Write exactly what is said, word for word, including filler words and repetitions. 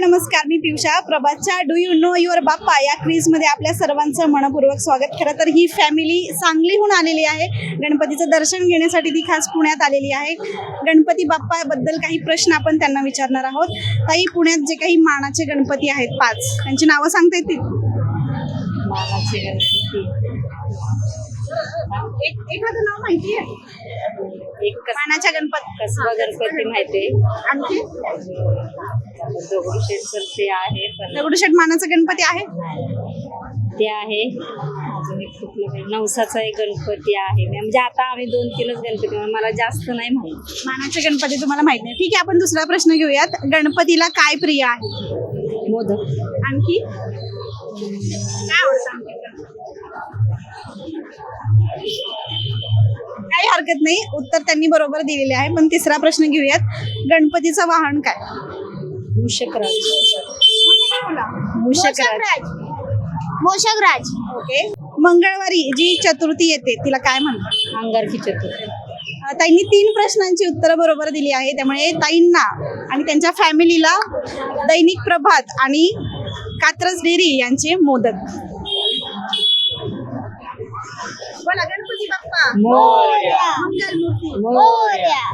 नमस्कार, मी पियुषा. प्रभातच्या do you know your Bappa या क्विज मध्ये आपल्या सर्वांचं मनपूर्वक स्वागत. खरं तर ही फॅमिली सांगलीहून आलेली आहे. गणपतीचं दर्शन घेण्यासाठी ती खास पुण्यात आलेली आहे. गणपती बाप्पा बद्दल काही प्रश्न आपण त्यांना विचारणार आहोत. ताई, पुण्यात जे काही मानाचे गणपती आहेत पाच, त्यांची नावं सांगता येतील? मानाचे गणपती एक एखादं नाव माहिती आहे? एक कस- मानाच्या गणपती कसबा गणपती माहितीये. आणखी दगडूशेठचं ते आहे, पण दगडूशेठ मानाचा गणपती आहे. ते आहे. अजून एक कुठलं काही नवसाचा एक गणपती आहे. म्हणजे आता आम्ही दोन तीनच गणपती, मला जास्त नाही माहिती. मानाचे गणपती तुम्हाला माहित नाही. ठीक आहे, आपण दुसरा प्रश्न घेऊयात. गणपतीला काय प्रिय आहे? मोदक. आणखी काय आवडतं? काही हरकत नाही, उत्तर त्यांनी बरोबर दिलेले आहे. पण तिसरा प्रश्न घेऊयात. गणपतीचं वाहन काय? मूषकराज. मूषकराज. मूषकराज. ओके. मंगळवारी जी चतुर्थी येते तिला काय म्हणतात? अंगारकी चतुर्थी. अं, ताईंनी तीन प्रश्नांची उत्तरं बरोबर दिली आहे. त्यामुळे ताईंना आणि त्यांच्या फॅमिलीला दैनिक प्रभात आणि कात्रज डेअरी यांचे मोदक. बोला, गणपती बाप्पा मोरया. मंगलमूर्ती मोरया.